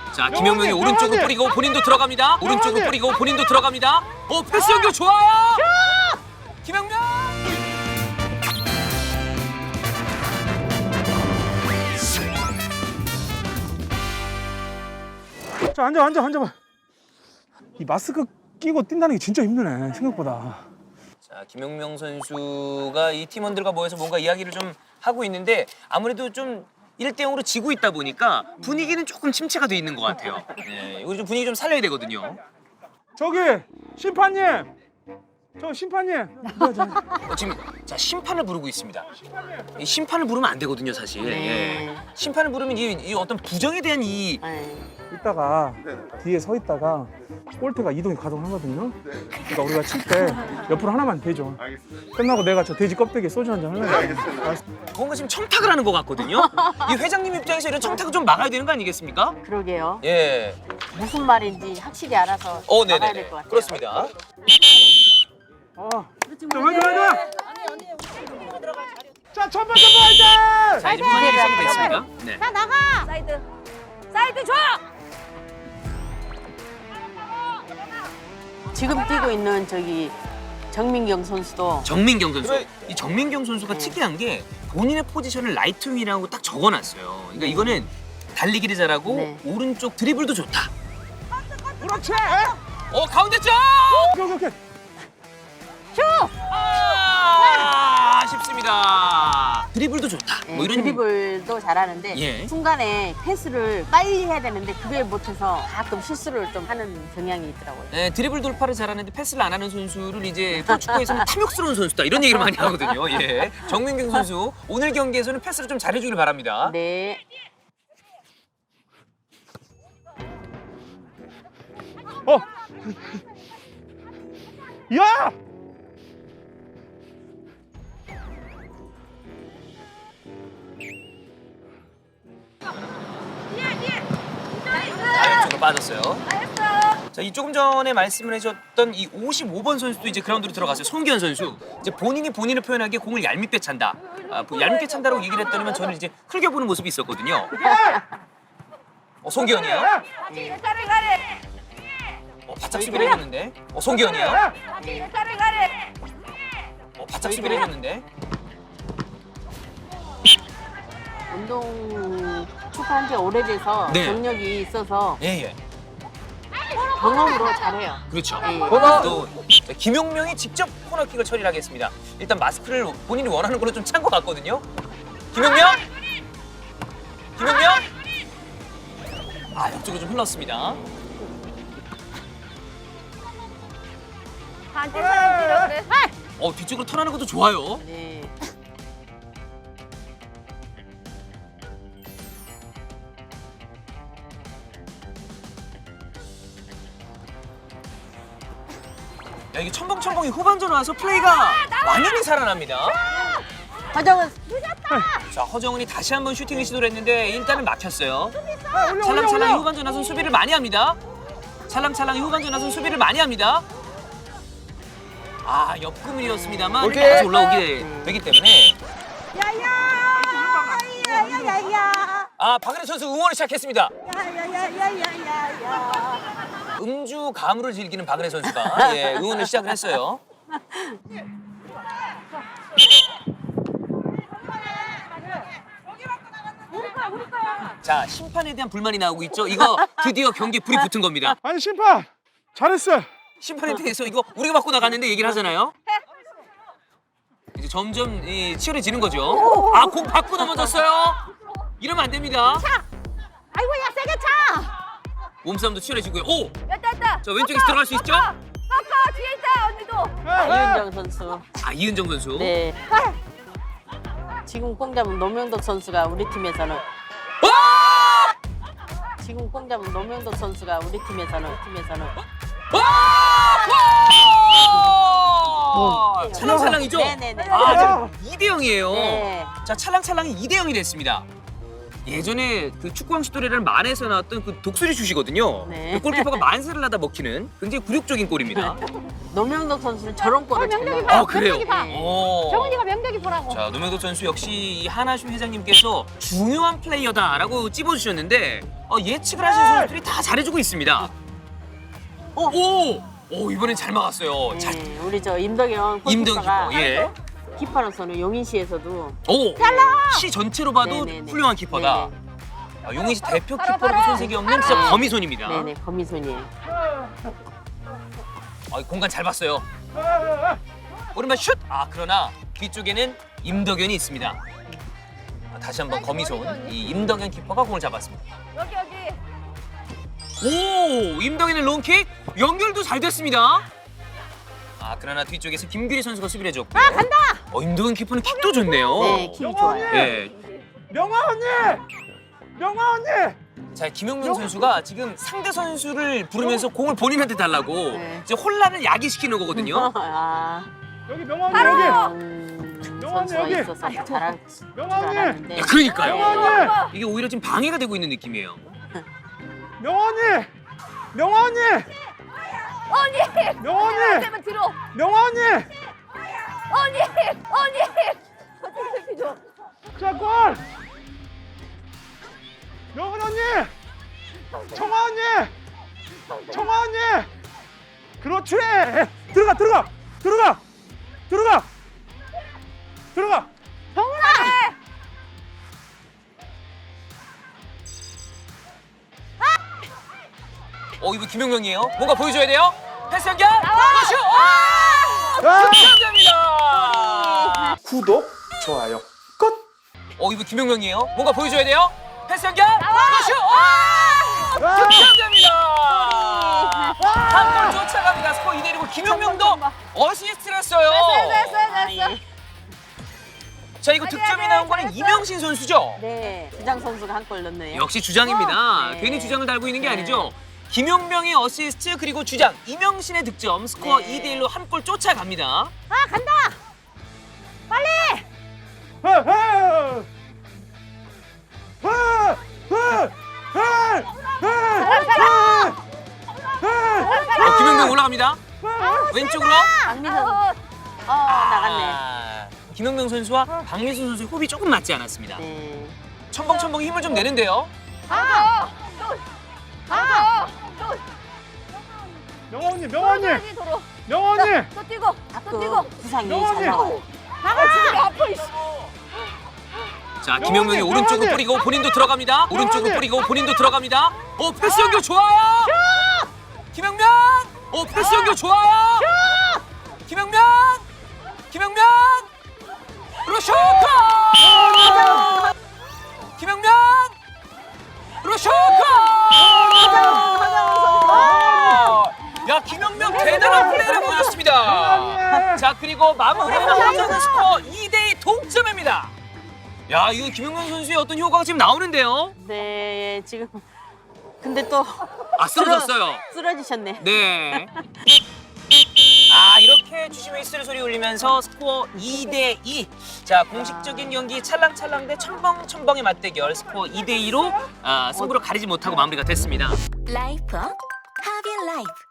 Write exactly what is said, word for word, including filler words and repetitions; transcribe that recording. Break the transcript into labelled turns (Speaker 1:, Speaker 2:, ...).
Speaker 1: 자, 김영명이 오른쪽으로 뿌리고 본인도 들어갑니다. 오른쪽으로 뿌리고 본인도 들어갑니다. 어, 패스 연결 좋아요. 김영명.
Speaker 2: 자, 앉아, 앉아, 앉아봐. 이 마스크 끼고 뛴다는 게 진짜 힘드네, 생각보다.
Speaker 1: 자, 김영명 선수가 이 팀원들과 모여서 뭔가 이야기를 좀 하고 있는데 아무래도 좀 일 대 영으로 지고 있다 보니까 분위기는 조금 침체가 돼 있는 것 같아요. 네, 이거 좀 분위기 좀 살려야 되거든요.
Speaker 2: 저기, 심판님! 저 심판님!
Speaker 1: 어, 지금 자 심판을 부르고 있습니다. 이 심판을 부르면 안 되거든요, 사실.
Speaker 3: 네.
Speaker 1: 예. 심판을 부르면 이, 이 어떤 부정에 대한 이
Speaker 3: 네.
Speaker 2: 이따가 뒤에 서 있다가 볼트가 이동이 가동하거든요. 그러니까 우리가 칠 때 옆으로 하나만 대줘. 끝나고 내가 저 돼지 껍데기에 소주 한 잔 할래. 알겠어.
Speaker 1: 뭔가 지금 청탁을 하는 것 같거든요. 이 회장님 입장에서 이런 청탁을 좀 막아야 되는 거 아니겠습니까?
Speaker 3: 그러게요.
Speaker 1: 예.
Speaker 3: 무슨 말인지 확실히 알아서
Speaker 1: 어,
Speaker 3: 나가야
Speaker 1: 네네.
Speaker 3: 될 것 같아요.
Speaker 1: 그렇습니다.
Speaker 2: 어. 자, 화이팅, 화이팅! 자, 첫 번째 화이팅!
Speaker 1: 자, 이제 분위기 시작이 됐습니다. 네.
Speaker 4: 자 나가. 사이드. 사이드 줘.
Speaker 3: 지금 뛰고 있는 저기 정민경 선수도
Speaker 1: 정민경 선수. 이 정민경 선수가 특이한 게 본인의 포지션을 라이트 윙이라고 딱 적어놨어요. 그러니까 이거는 달리기를 잘하고
Speaker 3: 네.
Speaker 1: 오른쪽 드리블도 좋다.
Speaker 2: 그렇지!
Speaker 1: 어, 가운데 쪽!
Speaker 2: 오케이, 오케이.
Speaker 1: 아, 아쉽습니다. 드리블도 좋다.
Speaker 3: 네,
Speaker 1: 뭐 이런
Speaker 3: 드리블도 잘하는데
Speaker 1: 예.
Speaker 3: 순간에 패스를 빨리 해야 되는데 그게 못해서 가끔 실수를 좀 하는 경향이 있더라고요.
Speaker 1: 네, 드리블 돌파를 잘하는데 패스를 안 하는 선수를 이제 프로축구에서는 탐욕스러운 선수다 이런 얘기를 많이 하거든요. 예. 정민경 선수 오늘 경기에서는 패스를 좀 잘해주길 바랍니다.
Speaker 3: 네.
Speaker 2: 어! 야!
Speaker 1: 자, 왼쪽으로 빠졌어요. 자, 이 조금 전에 말씀을 해줬던 이 오십오 번 선수도 이제 그라운드로 들어갔어요. 송기현 선수. 이제 본인이 본인을 표현하기에 공을 얄밉게 찬다. 아, 뭐 얄밉게 찬다라고 얘기를 했더니만 저는 이제 흘겨보는 모습이 있었거든요. 어, 송기현이에요.
Speaker 4: 가래 가래.
Speaker 1: 어, 바짝 수비를 해줬는데. 어, 송기현이에요.
Speaker 4: 가래 가래.
Speaker 1: 어, 바짝 수비를 해줬는데.
Speaker 3: 운동 축구한 지 오래돼서
Speaker 1: 네.
Speaker 3: 경력이 있어서
Speaker 1: 예, 예.
Speaker 3: 경험으로 잘해요.
Speaker 1: 그렇죠.
Speaker 3: 네.
Speaker 1: 또 김용명이 직접 코너킥을 처리를 하겠습니다. 일단 마스크를 본인이 원하는 걸로 좀 찬 것 같거든요. 김용명! 김용명! 아, 옆쪽으로 좀 흘렀습니다.
Speaker 4: 한테 사람 뛰라 그래.
Speaker 1: 어, 뒤쪽으로 턴하는 것도 좋아요.
Speaker 3: 네.
Speaker 1: 야, 이게 첨벙첨벙이 후반전 와서 플레이가 완전히 살아납니다.
Speaker 3: 화정은
Speaker 1: 자, 허정은이 다시 한번 슈팅을 시도를 했는데 일단은 막혔어요.
Speaker 2: 아, 올려, 올려,
Speaker 1: 찰랑찰랑이
Speaker 2: 올려!
Speaker 1: 후반전 나선 수비를 많이 합니다. 찰랑찰랑이 후반전 나선 수비를 많이 합니다. 아, 옆구물이었습니다만 다시 올라오게 되기 때문에
Speaker 4: 야야야야야야.
Speaker 1: 아, 박은혜 선수 응원을 시작했습니다.
Speaker 4: 야야야야야야야.
Speaker 1: 음주 가물을 즐기는 박은혜 선수가 예, 응원을 시작을 했어요. 자, 심판에 대한 불만이 나오고 있죠. 이거 드디어 경기에 불이 붙은 겁니다.
Speaker 2: 아니, 심판! 잘했어!
Speaker 1: 심판에 대해서 이거 우리가 받고 나갔는데 얘기를 하잖아요. 이제 점점 이, 치열해지는 거죠. 아, 공 받고 넘어졌어요. 이러면 안 됩니다.
Speaker 4: 아이고 야 세게 차.
Speaker 1: 몸싸움도 치열해지고요. 오!
Speaker 4: 됐다 됐다.
Speaker 1: 자, 왼쪽에서 들어갈 수 있죠?
Speaker 4: 꺾어 뒤에 있다 언니도.
Speaker 3: 이은정 선수.
Speaker 1: 아, 이은정 선수.
Speaker 3: 네. 지금 공 잡은 노명덕 선수가 우리 팀에서는
Speaker 1: 와!
Speaker 3: 지금 공 잡은 노명덕 선수가 우리 팀에서는 팀에서는
Speaker 1: 와! 찰랑찰랑이죠?
Speaker 3: 네네네.
Speaker 1: 아, 지금 이 대 영이에요.
Speaker 3: 네.
Speaker 1: 자, 찰랑찰랑이 이 대 영이 됐습니다. 예전에 그 축구왕시도리라는 만에서 나왔던 그 독수리 슛이거든요.
Speaker 3: 네.
Speaker 1: 그 골키퍼가 만세를 하다 먹히는 굉장히 굴욕적인 골입니다.
Speaker 3: 노명덕 선수는 저런 골을 잘
Speaker 4: 명력이
Speaker 3: 넣어요.
Speaker 1: 아, 그래요?
Speaker 4: 명력이 봐.
Speaker 1: 오.
Speaker 4: 정은이가 명덕이 보라고.
Speaker 1: 자, 노명덕 선수 역시 이 하나슈 회장님께서 중요한 플레이어다라고 찝어주셨는데 어, 예측을 하신 선수들이 다 잘해주고 있습니다.
Speaker 3: 오!
Speaker 1: 오! 오, 이번엔 잘 막았어요. 잘,
Speaker 3: 네, 우리 저 임덕영
Speaker 1: 임덕영
Speaker 3: 골키퍼가
Speaker 1: 키퍼, 예.
Speaker 3: 키퍼로서는 용인시에서도
Speaker 1: 오! 시 전체로 봐도
Speaker 3: 네네네.
Speaker 1: 훌륭한 키퍼다.
Speaker 3: 네네.
Speaker 1: 아, 용인시 대표
Speaker 4: 바로,
Speaker 1: 키퍼로도
Speaker 4: 바로.
Speaker 1: 손색이 없는 진짜
Speaker 3: 바로.
Speaker 1: 거미손입니다.
Speaker 3: 네네 거미손이에요.
Speaker 1: 아, 공간 잘 봤어요. 오른발 슛! 아, 그러나 뒤쪽에는 임덕현이 있습니다. 아, 다시 한번 거미손. 이 임덕현 키퍼가 공을 잡았습니다.
Speaker 4: 여기 여기.
Speaker 1: 오! 임덕현의 롱킥 연결도 잘 됐습니다. 아, 그러나 뒤쪽에서 김규리 선수가 수비를 해줬고요. 아, 간다! 어, 임덕현 키퍼는 킥도 좋네요.
Speaker 3: 네, 킥이 좋아요.
Speaker 1: 예.
Speaker 2: 명아 언니! 명아 언니!
Speaker 1: 자, 김용명 선수가 지금 상대 선수를 부르면서 공을 본인한테 달라고
Speaker 3: 네.
Speaker 1: 이제 혼란을 야기시키는 거거든요.
Speaker 3: 아,
Speaker 2: 여기 명아 언니
Speaker 4: 바로!
Speaker 2: 여기!
Speaker 3: 음,
Speaker 2: 명언니,
Speaker 3: 선수가
Speaker 2: 여기!
Speaker 3: 있어서 잘할 줄
Speaker 2: 명언니!
Speaker 3: 알았는데.
Speaker 1: 야, 그러니까요.
Speaker 2: 명아 언니!
Speaker 1: 이게 오히려 지금 방해가 되고 있는 느낌이에요.
Speaker 2: 명아 언니! 명아 언니!
Speaker 4: 언니.
Speaker 2: 명아 언니!
Speaker 4: 제발 뒤로.
Speaker 2: 명아 언니!
Speaker 4: 언니. 언니. 어떻게 새끼 줘.
Speaker 2: 자, 골! 명은 언니! 청아 언니! 청아 언니! 그렇지! 들어가, 들어가! 들어가! 들어가! 들어가!
Speaker 1: 어, 이거 김용명이에요. 뭔가 보여줘야 돼요. 패스 연결. 슛! 아!
Speaker 2: 아!
Speaker 1: 감사합니다.
Speaker 2: 구독, 좋아요, 끝!
Speaker 1: 어, 이거 김용명이에요. 뭔가 보여줘야 돼요. 패스 연결. 슛! 아!
Speaker 2: 아!
Speaker 1: 감사합니다. 한 골 쫓아갑니다. 스코어 이 대 일이고 김용명도 어시스트를 했어요.
Speaker 4: 됐어 됐어
Speaker 3: 아,
Speaker 4: 됐어.
Speaker 3: 예.
Speaker 1: 자, 이거 득점이 나온 거는 이명신 선수죠.
Speaker 3: 네, 주장 선수가 한 골 넣네요.
Speaker 1: 역시 주장입니다.
Speaker 3: 네.
Speaker 1: 괜히 주장을 달고 있는 게
Speaker 3: 네.
Speaker 1: 아니죠. 김용명의 어시스트 그리고 주장 이명신의 득점 스코어
Speaker 3: 네.
Speaker 1: 이 대 일로 한 골 쫓아갑니다.
Speaker 4: 아 간다. 빨리.
Speaker 2: 헤, 헤! 헤! 헤! 헤! 헤! 헤!
Speaker 1: 어, 김용명 올라갑니다. 왼쪽으로.
Speaker 3: 박민선,
Speaker 4: 아우.
Speaker 3: 어 나갔네.
Speaker 1: 아, 김용명 선수와 박민순 선수의 호흡이 조금 맞지 않았습니다.
Speaker 3: 네.
Speaker 1: 첨벙첨벙 힘을 좀 내는데요.
Speaker 4: 아. 아. 또.
Speaker 2: 명아 언니, 명아 언니!
Speaker 4: 여기 도로.
Speaker 2: 명아 언니!
Speaker 4: 또 뛰고. 또 뛰고.
Speaker 3: 그 부상이
Speaker 2: 명언니!
Speaker 3: 잘 나와요.
Speaker 4: 나가 지금 아파 이씨.
Speaker 1: 자, 김용명이
Speaker 2: 명언니,
Speaker 1: 오른쪽으로
Speaker 2: 명언니!
Speaker 1: 뿌리고 본인도 들어갑니다. 오른쪽으로
Speaker 2: 명언니!
Speaker 1: 뿌리고 본인도 들어갑니다. 오, 패스 연결 좋아요. 김용명. 오, 패스 연결 좋아요. 김용명. 김용명. 그리고 슛! 골! 김용명. 그리고 슛! 골! 야, 김용명 대단한 플레이를 보여줬습니다. 자, 그리고 마무리하는 스코어 이 대 이 동점입니다. 야, 이거 김용명 선수의 어떤 효과가 지금 나오는데요.
Speaker 3: 네, 지금 근데 또
Speaker 1: 아, 쓰러졌어요.
Speaker 3: 쓰러지셨네.
Speaker 1: 네. 아, 이렇게 주심 웨이스를 소리 울리면서 스코어 이 대 이. 자, 공식적인 경기 찰랑찰랑 대 첨벙첨벙의 맞대결 스코어 이 대 이로 아, 승부를 가리지 못하고 마무리가 됐습니다.
Speaker 5: 라이프 하비 라이프